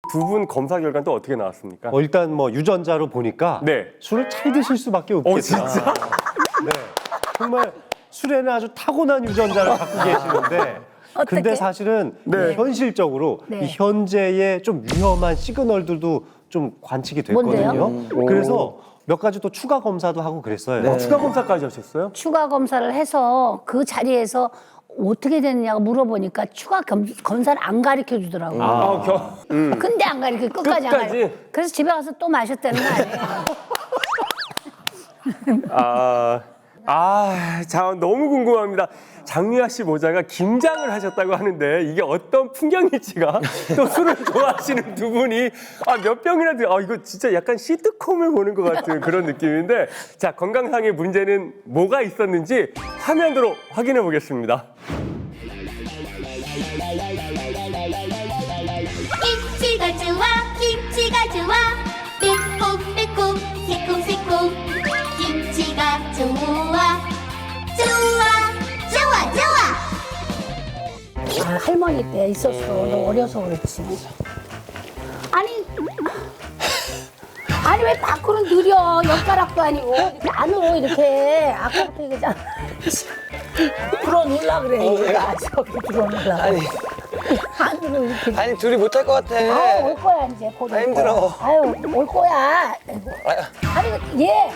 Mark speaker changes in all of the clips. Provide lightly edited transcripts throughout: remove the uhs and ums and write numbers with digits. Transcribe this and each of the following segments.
Speaker 1: 두 분 검사 결과는 또 어떻게 나왔습니까?
Speaker 2: 일단 뭐 유전자로 보니까
Speaker 1: 네.
Speaker 2: 술을 잘 드실 수밖에 없겠다.
Speaker 1: 진짜?
Speaker 2: 네. 정말 술에는 아주 타고난 유전자를 갖고 계시는데 근데 사실은
Speaker 1: 네.
Speaker 2: 현실적으로
Speaker 3: 네.
Speaker 2: 이 현재의 좀 위험한 시그널들도 좀 관측이 됐거든요.
Speaker 3: 뭔데요?
Speaker 2: 그래서 몇 가지 또 추가 검사도 하고 그랬어요.
Speaker 1: 추가 검사까지 하셨어요?
Speaker 3: 추가 검사를 해서 그 자리에서 어떻게 됐냐고 물어보니까 추가 검사를 안 가르쳐 주더라고요. 근데 안 가르쳐 끝까지 안
Speaker 1: 끝까지?
Speaker 3: 가르쳐. 그래서 집에 가서 또 마셨다는 거 아니에요?
Speaker 1: 자, 너무 궁금합니다. 장미아 씨 모자가 김장을 하셨다고 하는데 이게 어떤 풍경일지가 또 술을 좋아하시는 두 분이 몇 병이나 이거 진짜 약간 시트콤을 보는 것 같은 그런 느낌인데 자, 건강상의 문제는 뭐가 있었는지 화면으로 확인해 보겠습니다.
Speaker 4: 김치가 좋아 김치가 좋아 매콤매콤 새콤새콤 김치가 좋아 좋아
Speaker 3: 할머니 때 있었어. 너 어려서 그렇지. 아니 왜 밖으로 느려? 엿가락도 아니고 이렇게 안으로 이렇게 아까부터 얘기잖아. 들어놓으려 그래. 얘가 저기 들어놓으려. 안으로 이렇게.
Speaker 5: 아니 둘이 못할 것 같아.
Speaker 3: 올 거야 이제 곧. 올
Speaker 5: 힘들어.
Speaker 3: 거야. 아유 올 거야. 아니 얘.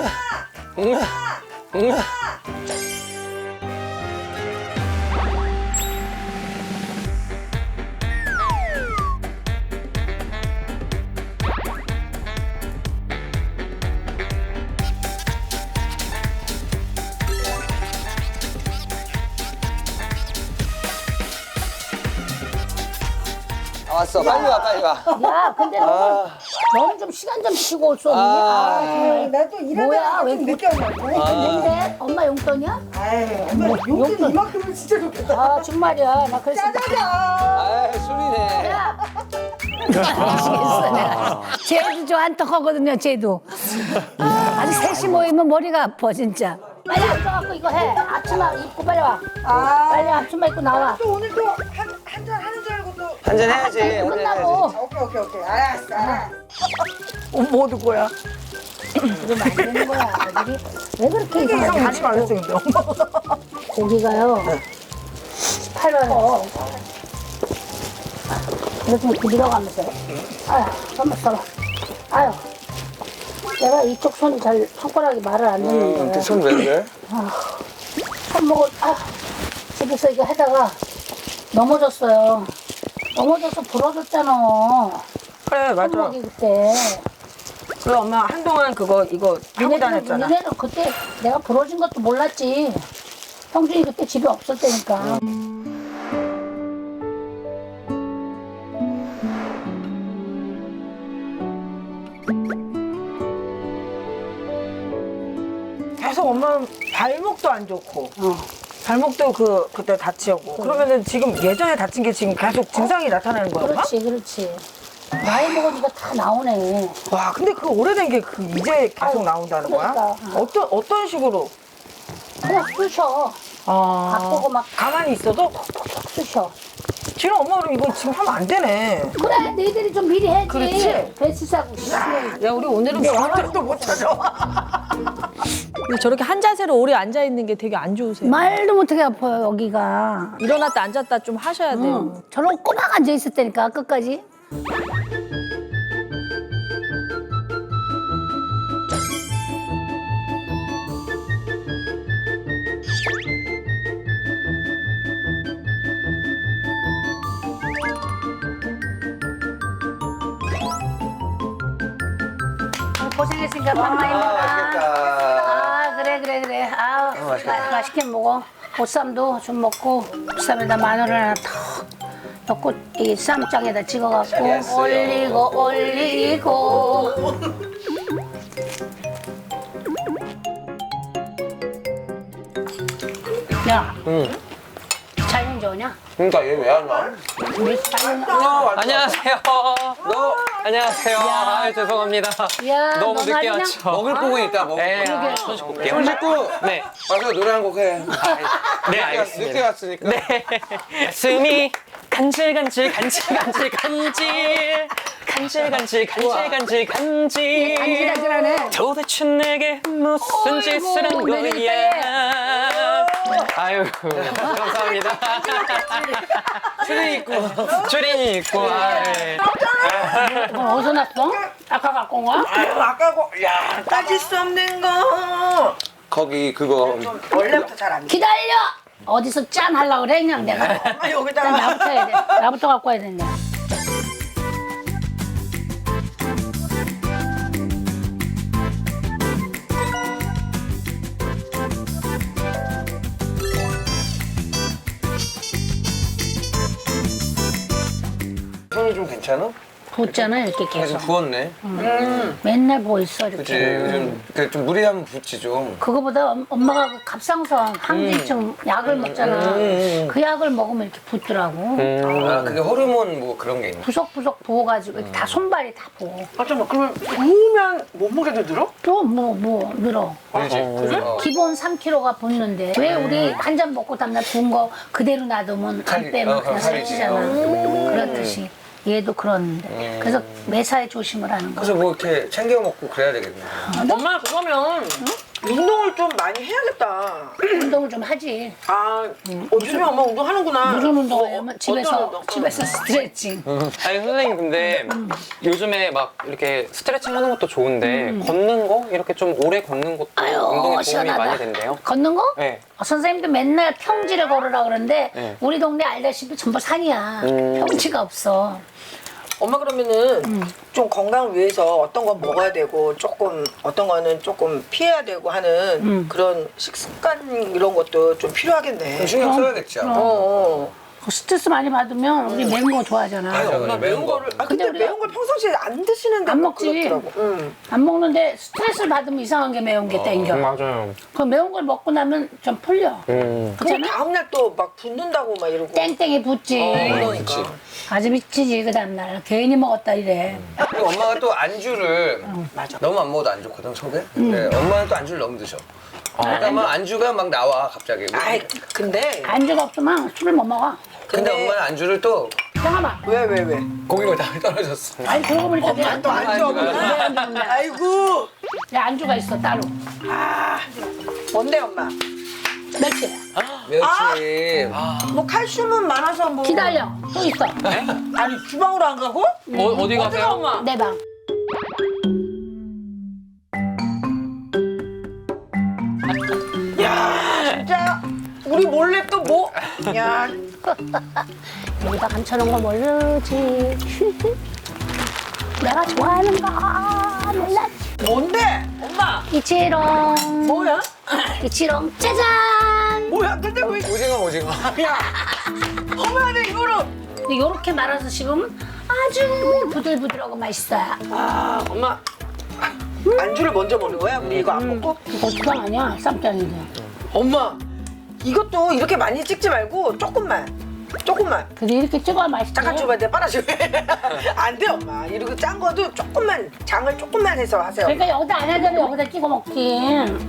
Speaker 5: 왔어. 빨리 와 빨리 와.
Speaker 3: 야 근데 너는 좀 시간 좀 쉬고 올 수 없니? 정말.
Speaker 6: 나도 일하다가
Speaker 3: 뭐야, 왜
Speaker 6: 좀 늦게 온다고.
Speaker 3: 근데 엄마 용돈이야?
Speaker 6: 아이, 엄마 용돈 이만큼은 진짜 좋겠다.
Speaker 3: 아 정말이야. 나 그래서
Speaker 6: 짜자잔.
Speaker 5: 아 술이네.
Speaker 3: 야. 아시겠어 내가. 쟤도 저 한턱하거든요. 쟤도. 아직 셋이 모이면 머리가 아파 진짜. 빨리 앉아갖고 이거 해. 앞치마 입고 빨리 와. 빨리 앞치마 입고 나와.
Speaker 6: 또 오늘 또 한잔 하는 줄 알고 또.
Speaker 5: 한잔 해야지.
Speaker 3: 이거
Speaker 5: 한잔
Speaker 3: 끝나고.
Speaker 6: 오케이. 알았어.
Speaker 7: 뭐 얻을 거야?
Speaker 3: 이러면 안 되는 거야. 애들이. 왜 그렇게
Speaker 7: 이상
Speaker 3: 이상하게
Speaker 7: 같이 말했어 근데 엄마가.
Speaker 3: 고기가요. 18원. 이렇게 밀어가면서. 아유, 잠깐만 써봐. 아유. 내가 이쪽 손이 잘 손가락이 말을 안 듣는 거야.
Speaker 5: 손 왜 그래?
Speaker 3: 손목을 집에서 이거 하다가 넘어졌어요. 넘어져서 부러졌잖아.
Speaker 7: 그래 맞아.
Speaker 3: 손목이 그때.
Speaker 7: 그래 엄마 한동안 이거 하고 다녔잖아.
Speaker 3: 니네는 그때 내가 부러진 것도 몰랐지. 형준이 그때 집에 없을 때니까.
Speaker 7: 계속 엄마 발목도 안 좋고
Speaker 3: 어.
Speaker 7: 발목도 그때 다치고 그러면은 지금 예전에 다친 게 지금 계속 증상이 나타나는 거야 엄마?
Speaker 3: 그렇지. 나이 먹으니까 다 나오네.
Speaker 7: 와 근데 그 오래된 게 이제 계속
Speaker 3: 아유,
Speaker 7: 나온다는 거야?
Speaker 3: 그러니까.
Speaker 7: 어떤 식으로?
Speaker 3: 그냥 쑤셔. 바꾸고 막
Speaker 7: 가만히 있어도?
Speaker 3: 쑤셔.
Speaker 7: 지금 엄마는 이거 지금 하면 안 되네.
Speaker 3: 그래, 너희들이 좀 미리 해야지.
Speaker 7: 그렇지.
Speaker 3: 배치 사고.
Speaker 7: 야 우리 오늘은 병원도 못 찾아.
Speaker 8: 근데 저렇게 한 자세로 오래 앉아 있는 게 되게 안 좋으세요.
Speaker 3: 말도 못하게 아파요, 여기가.
Speaker 8: 일어났다 앉았다 좀 하셔야 돼요.
Speaker 3: 저런 꼬막 앉아 있었다니까, 끝까지. 고생했으니까 밥 많이 먹어.
Speaker 5: 맛있겠다.
Speaker 3: 그래. 맛있게 먹어. 보쌈도 좀 먹고, 보쌈에다 마늘 하나 턱 넣고, 이 쌈장에다 찍어갖고, 올리고. 야, 잘는 좋으냐?
Speaker 5: 그러니까 얘 왜 안 와?
Speaker 3: 우리 잘는
Speaker 9: 안녕하세요. 안녕하세요. 아, 죄송합니다.
Speaker 3: 야,
Speaker 9: 너무
Speaker 3: 너
Speaker 9: 늦게
Speaker 3: 말이냐?
Speaker 9: 왔죠.
Speaker 5: 먹을 부분 있다 먹을
Speaker 9: 네,
Speaker 5: 부분.
Speaker 9: 손 씻고 올게요.
Speaker 5: 손 씻고
Speaker 9: 네.
Speaker 5: 와서 노래 한 곡 해.
Speaker 9: 네,
Speaker 5: 늦게
Speaker 9: 알겠습니다.
Speaker 5: 왔으니까.
Speaker 9: 네. 숨이 간질
Speaker 3: 간질간질하네.
Speaker 9: 도대체 내게 무슨 짓을 한 거야. 아유 감사합니다. 추리닝 입고
Speaker 3: 이건 어디서 났어? 아까 갖고 온 거야?
Speaker 6: 아유 아까고 야 따질 수 없는 거.
Speaker 5: 거기 그거
Speaker 6: 원래부터 잘 안 돼.
Speaker 3: 기다려! 어디서 짠 하려고 그래, 그냥 내가.
Speaker 6: 아
Speaker 3: 일단
Speaker 6: 여기다가
Speaker 3: 나부터 해야 돼. 나부터 갖고 와야 된다.
Speaker 5: 손이 좀 괜찮아?
Speaker 3: 붓잖아, 이렇게
Speaker 5: 좀
Speaker 3: 계속.
Speaker 5: 부었네.
Speaker 3: 맨날 부어 있어,
Speaker 5: 그치
Speaker 3: 이렇게.
Speaker 5: 요즘 좀 무리하면 붓지 좀.
Speaker 3: 그거보다 엄마가 그 갑상선 항진증 약을 먹잖아. 그 약을 먹으면 이렇게 붓더라고.
Speaker 5: 아 그게 호르몬 뭐 그런 게 있나?
Speaker 3: 부석부석 부어가지고 이렇게 다 손발이 다 부어.
Speaker 6: 아 잠깐만 그러면 부으면 몸무게도 늘어?
Speaker 3: 또 뭐 늘어.
Speaker 5: 그렇지.
Speaker 3: 기본 3kg가 붙는데 왜 우리 한 잔 먹고 다음날 부은 거 그대로 놔두면 안
Speaker 5: 살이-
Speaker 3: 빼면
Speaker 5: 어,
Speaker 3: 그냥
Speaker 5: 살이지.
Speaker 3: 살찌잖아. 그렇듯이 얘도 그러는데 그래서 매사에 조심을 하는 거야.
Speaker 5: 그래서 뭐 이렇게 챙겨 먹고 그래야 되겠네.
Speaker 7: 엄마 그러면 운동을 좀 많이 해야겠다.
Speaker 3: 운동을 좀 하지.
Speaker 7: 아, 요즘에 엄마 운동하는구나.
Speaker 3: 무슨 운동을 하면
Speaker 7: 어떤
Speaker 3: 집에서
Speaker 7: 운동?
Speaker 3: 집에서 스트레칭.
Speaker 9: 아니 선생님 근데 요즘에 막 이렇게 스트레칭 하는 것도 좋은데 걷는 거 이렇게 좀 오래 걷는 것도 운동에 도움이
Speaker 3: 시원하다.
Speaker 9: 많이 된대요.
Speaker 3: 걷는 거?
Speaker 9: 네.
Speaker 3: 선생님도 맨날 평지를 걸으라 그러는데
Speaker 9: 네.
Speaker 3: 우리 동네 알다시피 전부 산이야. 평지가 없어.
Speaker 7: 엄마 그러면은 좀 건강을 위해서 어떤 건 먹어야 되고 조금 어떤 거는 조금 피해야 되고 하는 그런 식습관 이런 것도 좀 필요하겠네.
Speaker 5: 좀 신경 써야겠지. 아마.
Speaker 3: 그 스트레스 많이 받으면 우리 매운 거 좋아하잖아.
Speaker 5: 맞아,
Speaker 7: 엄마 매운 거를 아 근데
Speaker 3: 근데 우리가
Speaker 7: 매운 걸 평상시에 안 드시는데
Speaker 3: 안
Speaker 7: 뭐
Speaker 3: 먹지.
Speaker 7: 그렇더라고.
Speaker 3: 안 먹는데 스트레스를 받으면 이상한 게 매운 게 땡겨.
Speaker 9: 맞아요.
Speaker 3: 그 매운 걸 먹고 나면 좀 풀려.
Speaker 7: 그럼
Speaker 3: 그렇잖아?
Speaker 7: 다음날 또 막 붓는다고 막 이러고.
Speaker 3: 땡땡이 붙지.
Speaker 7: 그러니까.
Speaker 3: 아주 미치지 그 다음날. 괜히 먹었다 이래.
Speaker 5: 그리고 엄마가 또 안주를 너무 안 먹어도 안 좋거든 속에. 근데 엄마는 또 안주를 너무 드셔. 그러니까 막 안주가 막 나와 갑자기.
Speaker 7: 아이 근데
Speaker 3: 안주가 없으면 술을 못 먹어.
Speaker 5: 근데 엄마는 안주를 또
Speaker 3: 잠깐만.
Speaker 7: 왜?
Speaker 5: 고기가 다 떨어졌어.
Speaker 3: 아니 그러고 보니까 내 안주
Speaker 7: 안주 없네. 아이고
Speaker 3: 내 안주가 있어 따로.
Speaker 7: 뭔데 엄마?
Speaker 3: 멸치.
Speaker 5: 멸치.
Speaker 7: 뭐 칼슘은 많아서 뭐.
Speaker 3: 기다려. 또 있어.
Speaker 7: 아니 주방으로 안 가고?
Speaker 9: 어디 가세요?
Speaker 7: 엄마.
Speaker 3: 내 방.
Speaker 7: 진짜 우리 몰래 또 뭐? 야
Speaker 3: 여기다 감춰놓은 거 모르지. 내가 좋아하는 거 몰랐지.
Speaker 7: 뭔데? 엄마
Speaker 3: 이치롱.
Speaker 7: 뭐야?
Speaker 3: 이치롱 짜잔.
Speaker 7: 뭐야? 근데 왜?
Speaker 5: 오징어.
Speaker 7: 야 엄마는 이거를
Speaker 3: 근데 요렇게 말아서 씹으면 아주 부들부들하고 맛있어요.
Speaker 7: 아 엄마 안주를 먼저 먹는 거야? 우리 이거 안 먹고?
Speaker 3: 이거 주방 아니야 쌈장인데.
Speaker 7: 엄마 이것도 이렇게 많이 찍지 말고 조금만
Speaker 3: 근데 이렇게 찍어야 맛있지.
Speaker 7: 잠깐 줘봐 내가 빨아줘 안돼 엄마 이렇게 짠 거도 조금만 장을 조금만 해서 하세요.
Speaker 3: 그러니까 여기다 안 하더라도 여기다 찍어 먹지.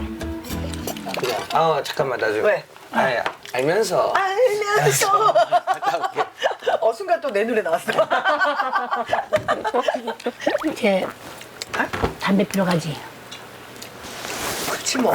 Speaker 5: 아 잠깐만 나 좀.
Speaker 7: 왜?
Speaker 5: 아니 알면서.
Speaker 7: 알면서 순간 또 내 노래 나왔어.
Speaker 3: 이제 담배 피러 가지.
Speaker 7: 그렇지 뭐.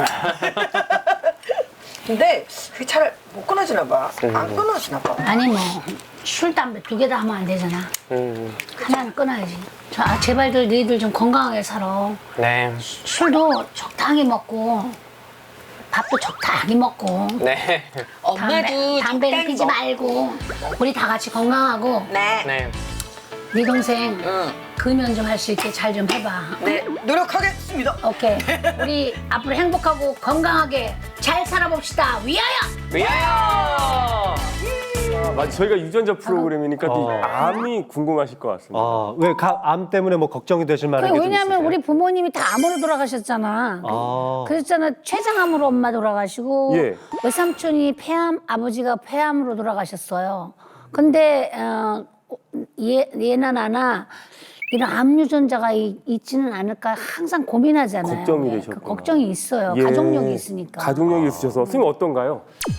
Speaker 7: 근데 그게 잘 못 끊어지나 봐. 안 끊어지나 봐.
Speaker 3: 아니 뭐 술, 담배 두 개 다 하면 안 되잖아. 하나는 끊어야지. 제발들 너희들 좀 건강하게 살아.
Speaker 9: 네.
Speaker 3: 술도 적당히 먹고 밥도 적당히 먹고
Speaker 9: 네.
Speaker 3: 담배를 피지 말고 우리 다 같이 건강하고
Speaker 7: 네.
Speaker 9: 네.
Speaker 3: 네 동생 금연 좀 할 수 있게 잘 좀 해봐.
Speaker 7: 네 노력하겠습니다.
Speaker 3: 오케이. 우리 앞으로 행복하고 건강하게 잘 살아봅시다. 위하여!
Speaker 9: 위하여!
Speaker 1: 맞아, 저희가 유전자 프로그램이니까 또 암이 궁금하실 것 같습니다.
Speaker 2: 왜 암 때문에 뭐 걱정이 되실 만한 게 좀 있으세요?
Speaker 3: 왜냐하면 우리 부모님이 다 암으로 돌아가셨잖아. 그랬잖아. 췌장암으로 엄마 돌아가시고
Speaker 1: 예.
Speaker 3: 외삼촌이 폐암, 아버지가 폐암으로 돌아가셨어요. 근데 얘나 나나 이런 암 유전자가 있지는 않을까 항상 고민하잖아요.
Speaker 1: 걱정이
Speaker 3: 네,
Speaker 1: 되셨구나.
Speaker 3: 그 걱정이 있어요.
Speaker 1: 예.
Speaker 3: 가족력이 있으니까.
Speaker 1: 가족력이 있으셔서 선생님 어떤가요?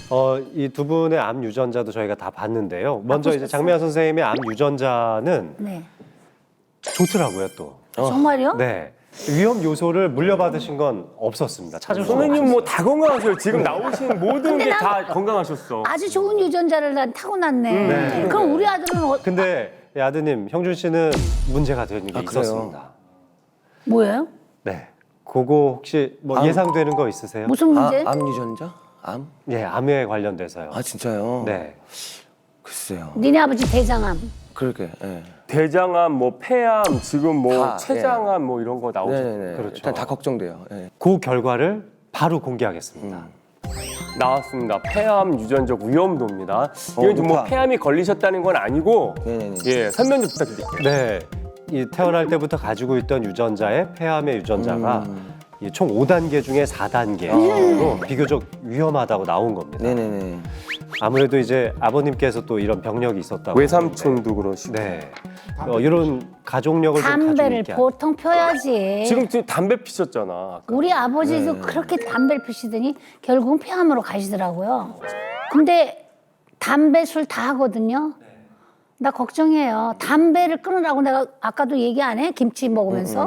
Speaker 2: 이 두 분의 암 유전자도 저희가 다 봤는데요. 먼저 이제 장미아 선생님의 암 유전자는
Speaker 3: 네.
Speaker 2: 좋더라고요, 또.
Speaker 3: 정말요?
Speaker 2: 네. 위험 요소를 물려받으신 건 없었습니다. 찾을 수
Speaker 1: 선생님
Speaker 2: 없어요.
Speaker 1: 뭐 다 건강하셔요. 지금 나오신 모든
Speaker 3: 근데
Speaker 1: 게
Speaker 3: 난-
Speaker 1: 다 건강하셨어.
Speaker 3: 아주 좋은 유전자를 난 타고났네. 그럼 우리 아들은
Speaker 2: 근데 아드님, 형준 씨는 문제가 되는 게
Speaker 5: 아, 그래요?
Speaker 2: 있었습니다.
Speaker 3: 뭐예요?
Speaker 2: 네. 그거 혹시 뭐 예상되는 거 있으세요?
Speaker 3: 무슨 문제?
Speaker 5: 암 유전자? 암?
Speaker 2: 예, 암에 관련돼서요.
Speaker 5: 아 진짜요?
Speaker 2: 네.
Speaker 5: 글쎄요.
Speaker 3: 니네 아버지 대장암.
Speaker 5: 그러게. 예.
Speaker 1: 대장암, 뭐 폐암, 지금 뭐
Speaker 5: 다,
Speaker 1: 췌장암 뭐 이런 거 나오죠.
Speaker 5: 네네네.
Speaker 2: 그렇죠.
Speaker 5: 일단 다 걱정돼요. 예.
Speaker 2: 그 결과를 바로 공개하겠습니다.
Speaker 1: 나왔습니다. 폐암 유전적 위험도입니다. 이건 좀 뭐
Speaker 5: 높아.
Speaker 1: 폐암이 걸리셨다는 건 아니고
Speaker 5: 네네네.
Speaker 1: 예, 설명 좀 부탁드릴게요.
Speaker 2: 네. 이 태어날 때부터 가지고 있던 유전자의 폐암의 유전자가 이 총 5단계 중에 4단계로 비교적 위험하다고 나온 겁니다.
Speaker 5: 네네네.
Speaker 2: 아무래도 이제 아버님께서 또 이런 병력이 있었다고.
Speaker 1: 외삼촌도 그러시고.
Speaker 2: 하는데, 네. 이런 가족력을 좀 가지고
Speaker 3: 담배를
Speaker 2: 있게
Speaker 3: 보통 펴야지.
Speaker 1: 지금 담배 피셨잖아.
Speaker 3: 우리 아버지도 그렇게 담배를 피시더니 결국은 폐암으로 가시더라고요. 근데 담배 술 다 하거든요. 나 걱정해요. 담배를 끊으라고 내가 아까도 얘기 안 해? 김치 먹으면서.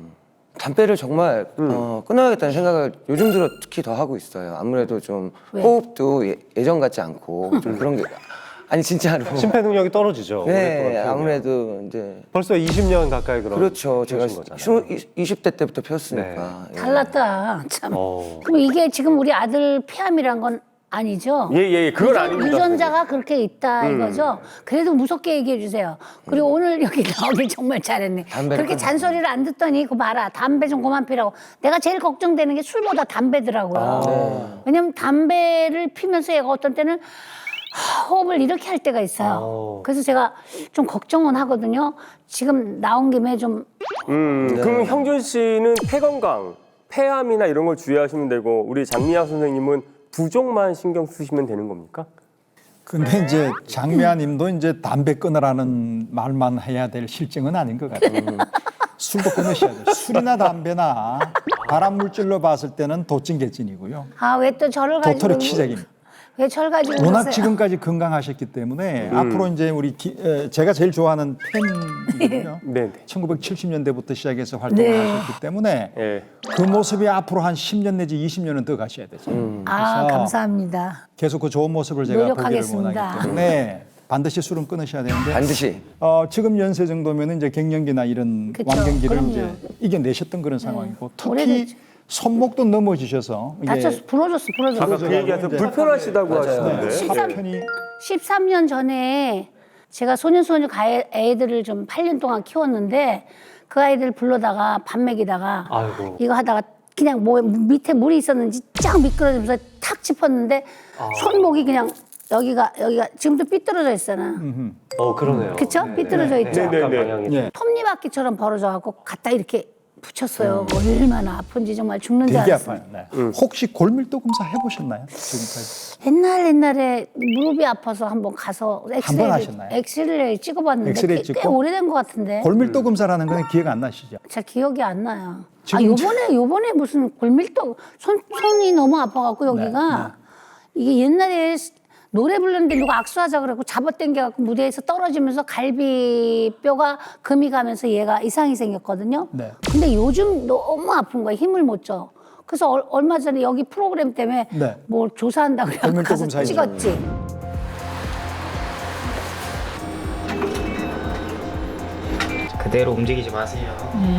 Speaker 5: 담배를 정말 끊어야겠다는 생각을 요즘 들어 특히 더 하고 있어요. 아무래도 좀
Speaker 3: 왜?
Speaker 5: 호흡도 예전 같지 않고 좀 그런 게 아니 진짜로.
Speaker 2: 심폐 능력이 떨어지죠.
Speaker 5: 네,
Speaker 2: 오랫동안 피우면.
Speaker 5: 아무래도 이제
Speaker 2: 벌써 20년 가까이 그런.
Speaker 5: 그렇죠. 제가
Speaker 2: 피우신 거잖아요.
Speaker 5: 20대 때부터 피웠으니까. 예.
Speaker 3: 달랐다. 참.
Speaker 2: 어.
Speaker 3: 그럼 이게 지금 우리 아들 폐암이란 건 아니죠?
Speaker 1: 예, 그건 아닙니다.
Speaker 3: 유전자가 그렇게 있다 이거죠. 그래도 무섭게 얘기해 주세요. 그리고 오늘 여기 나오길 정말 잘했네.
Speaker 5: 담배를
Speaker 3: 그렇게
Speaker 5: 끊어.
Speaker 3: 잔소리를 안 듣더니 그거 봐라. 담배 좀 그만 피라고. 내가 제일 걱정되는 게 술보다 담배더라고요. 왜냐면 담배를 피면서 얘가 어떤 때는 호흡을 이렇게 할 때가 있어요. 그래서 제가 좀 걱정은 하거든요. 지금 나온 김에 좀
Speaker 1: 그럼 형준 씨는 폐 건강, 폐암이나 이런 걸 주의하시면 되고 우리 장미아 선생님은 부종만 신경 쓰시면 되는 겁니까?
Speaker 10: 근데 이제 장미아님도 이제 담배 끊으라는 말만 해야 될 실정은 아닌 것 같아요. 술도 끊으셔야 돼요. 술이나 담배나 발암 물질로 봤을 때는 도찐개찐이고요.
Speaker 3: 아 왜 또 저를 가지고
Speaker 10: 도토리 키재기입니다.
Speaker 3: 왜 저를 가지고
Speaker 10: 워낙
Speaker 3: 그러세요?
Speaker 10: 지금까지 건강하셨기 때문에 앞으로 이제 우리 제가 제일 좋아하는 팬이거든요.
Speaker 1: 네.
Speaker 10: 1970년대부터 시작해서 활동을
Speaker 3: 네.
Speaker 10: 하셨기 때문에
Speaker 1: 예.
Speaker 10: 그 모습이 앞으로 한 10년 내지 20년은 더 가셔야 되죠.
Speaker 3: 아
Speaker 10: 그래서
Speaker 3: 감사합니다.
Speaker 10: 계속 그 좋은 모습을 제가 보기를
Speaker 3: 노력하겠습니다.
Speaker 10: 원하기 때문에 반드시 술은 끊으셔야 되는데
Speaker 5: 반드시.
Speaker 10: 지금 연세 정도면 이제 갱년기나 이런
Speaker 3: 그쵸,
Speaker 10: 완경기를
Speaker 3: 그럼요.
Speaker 10: 이제 이겨내셨던 그런 상황이고 특히
Speaker 3: 오래됐죠.
Speaker 10: 손목도 넘어지셔서
Speaker 3: 다쳤어, 부러졌어.
Speaker 1: 아까 그 얘기하셔서 불편하시다고 하시는데.
Speaker 3: 13년 전에 제가 소년소녀 애들을 좀 8년 동안 키웠는데 그 아이들 불러다가 밥 먹이다가
Speaker 2: 아이고.
Speaker 3: 이거 하다가 그냥 뭐 밑에 물이 있었는지 쫙 미끄러지면서 탁 짚었는데 손목이 그냥 여기가 지금도 삐뚤어져 있잖아.
Speaker 2: 그러네요.
Speaker 3: 그쵸? 삐뚤어져 있죠.
Speaker 1: 네, 네.
Speaker 2: 방향이
Speaker 10: 예.
Speaker 3: 톱니바퀴처럼 벌어져갖고 갖다 이렇게 붙였어요. 얼마나 아픈지 정말 죽는 줄
Speaker 10: 되게
Speaker 3: 알았어요.
Speaker 10: 아파요. 네. 혹시 골밀도 검사 해보셨나요? 지금까지?
Speaker 3: 옛날에 무릎이 아파서 한번 가서
Speaker 10: 하셨나요?
Speaker 3: 엑스레이 찍어봤는데
Speaker 10: 엑스레이
Speaker 3: 꽤
Speaker 10: 찍고?
Speaker 3: 오래된 것 같은데
Speaker 10: 골밀도 검사라는 건 기억 안 나시죠?
Speaker 3: 잘 기억이 안 나요.
Speaker 10: 지금
Speaker 3: 요번에 무슨 골밀도 손이 너무 아파갖고 여기가 이게 옛날에 노래 부르는데 누가 악수하자 그래갖고 잡아당겨갖고 무대에서 떨어지면서 갈비뼈가 금이 가면서 얘가 이상이 생겼거든요.
Speaker 10: 네.
Speaker 3: 근데 요즘 너무 아픈 거야. 힘을 못 줘. 그래서 얼마 전에 여기 프로그램 때문에
Speaker 10: 네.
Speaker 3: 뭘 조사한다 그래서
Speaker 10: 골밀도
Speaker 3: 가서
Speaker 10: 검사이죠.
Speaker 3: 찍었지.
Speaker 11: 그대로 움직이지 마세요.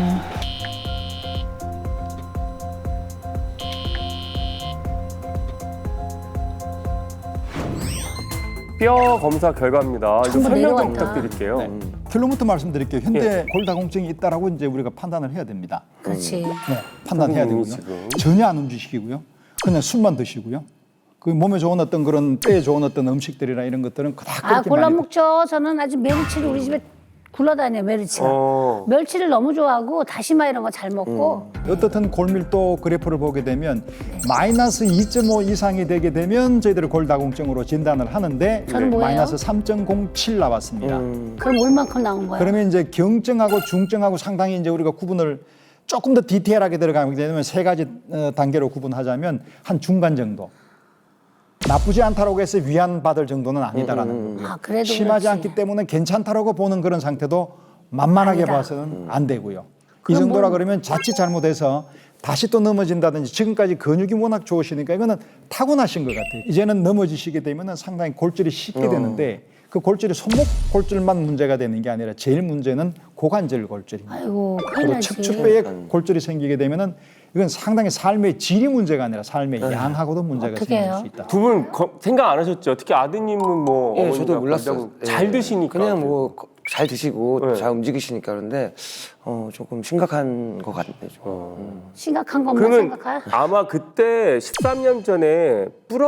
Speaker 1: 뼈 검사 결과입니다. 좀
Speaker 3: 전부
Speaker 1: 설명 좀
Speaker 3: 내려왔다.
Speaker 1: 부탁드릴게요.
Speaker 10: 결론부터 말씀드릴게요. 현대 골다공증이 있다라고 이제 우리가 판단을 해야 됩니다.
Speaker 3: 그렇지.
Speaker 10: 네, 판단해야 되고요.
Speaker 1: 지금.
Speaker 10: 전혀 안 움직이시고요. 그냥 술만 드시고요. 그 몸에 좋은 어떤 그런 뼈에 좋은 어떤 음식들이나 이런 것들은 그닥
Speaker 3: 아
Speaker 10: 그렇게
Speaker 3: 골라
Speaker 10: 많이
Speaker 3: 먹죠. 저는 아주 멸치를 우리 집에 굴러다녀 멸치가. 멸치를 너무 좋아하고 다시마 이런 거 잘 먹고.
Speaker 10: 어떻든 골밀도 그래프를 보게 되면 마이너스 2.5 이상이 되게 되면 저희들이 골다공증으로 진단을 하는데
Speaker 3: 저는 뭐예요?
Speaker 10: 마이너스 3.07 나왔습니다.
Speaker 3: 그럼 얼만큼 나온 거야?
Speaker 10: 그러면 이제 경증하고 중증하고 상당히 이제 우리가 구분을 조금 더 디테일하게 들어가게 되면 세 가지 단계로 구분하자면 한 중간 정도. 나쁘지 않다라고 해서 위안받을 정도는 아니다라는 거고요.
Speaker 3: 아, 그래도
Speaker 10: 심하지
Speaker 3: 그렇지.
Speaker 10: 않기 때문에 괜찮다라고 보는 그런 상태도 만만하게
Speaker 3: 아니다.
Speaker 10: 봐서는 안 되고요. 이
Speaker 3: 그럼
Speaker 10: 정도라
Speaker 3: 뭐-
Speaker 10: 그러면 자칫 잘못해서 다시 또 넘어진다든지 지금까지 근육이 워낙 좋으시니까 이거는 타고나신 것 같아요. 이제는 넘어지시게 되면 상당히 골절이 쉽게 되는데 그 골절이 손목 골절만 문제가 되는 게 아니라 제일 문제는 고관절 골절입니다.
Speaker 3: 아이고 큰일
Speaker 10: 그리고
Speaker 3: 나지.
Speaker 10: 척추뼈에 골절이 생기게 되면은 이건 상당히 삶의 질이 문제가 아니라 삶의 양하고도 문제가
Speaker 3: 어떻게
Speaker 10: 생길
Speaker 3: 해요?
Speaker 10: 수 있다.
Speaker 1: 두 분 생각 안 하셨죠? 특히 아드님은 뭐
Speaker 5: 예,
Speaker 1: 어머니가
Speaker 5: 저도 몰랐어요.
Speaker 1: 골다공 잘
Speaker 5: 예.
Speaker 1: 드시니까
Speaker 5: 그냥 뭐 잘 드시고
Speaker 1: 네.
Speaker 5: 잘 움직이시니까 그런데 조금 심각한 것 같네요.
Speaker 3: 심각한 것만
Speaker 1: 그러면
Speaker 3: 생각해.
Speaker 1: 아마 그때 13년 전에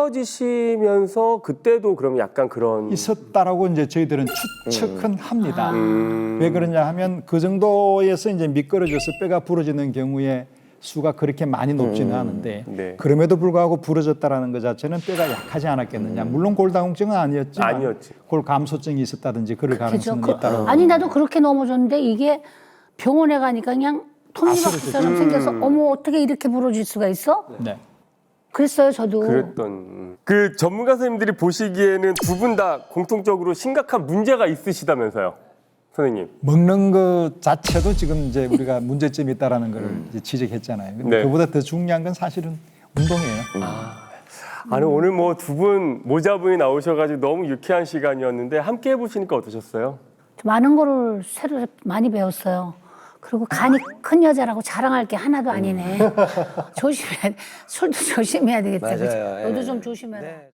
Speaker 1: 부러지시면서 그때도 그럼 약간 그런
Speaker 10: 있었다라고 이제 저희들은 추측은 합니다. 왜 그러냐 하면 그 정도에서 이제 미끄러져서 뼈가 부러지는 경우에 수가 그렇게 많이 높지는 않은데
Speaker 1: 네.
Speaker 10: 그럼에도 불구하고 부러졌다라는 것 자체는 뼈가 약하지 않았겠느냐. 물론 골다공증은 아니었지만
Speaker 1: 아니었지.
Speaker 10: 골 감소증이 있었다든지 그럴
Speaker 3: 그죠?
Speaker 10: 가능성이 있다고.
Speaker 3: 아니 나도 그렇게 넘어졌는데 이게 병원에 가니까 그냥 톱니바퀴처럼 생겨서 어머 어떻게 이렇게 부러질 수가 있어?
Speaker 10: 네.
Speaker 3: 그랬어요 저도.
Speaker 1: 그랬던 그 전문가 선생님들이 보시기에는 두 분 다 공통적으로 심각한 문제가 있으시다면서요, 선생님.
Speaker 10: 먹는 것 자체도 지금 이제 우리가 문제점이 있다라는 걸 이제 지적했잖아요. 근데
Speaker 1: 네.
Speaker 10: 그보다 더 중요한 건 사실은 운동이에요.
Speaker 1: 아니 오늘 뭐 두 분 모자분이 나오셔가지고 너무 유쾌한 시간이었는데 함께 해보시니까 어떠셨어요?
Speaker 3: 많은 거를 새로 많이 배웠어요. 그리고 간이 큰 여자라고 자랑할 게 하나도 아니네. 조심해. 술도 조심해야 되겠다. 그치?
Speaker 5: 맞아요. 예.
Speaker 3: 너도 좀 조심해라.
Speaker 5: 네.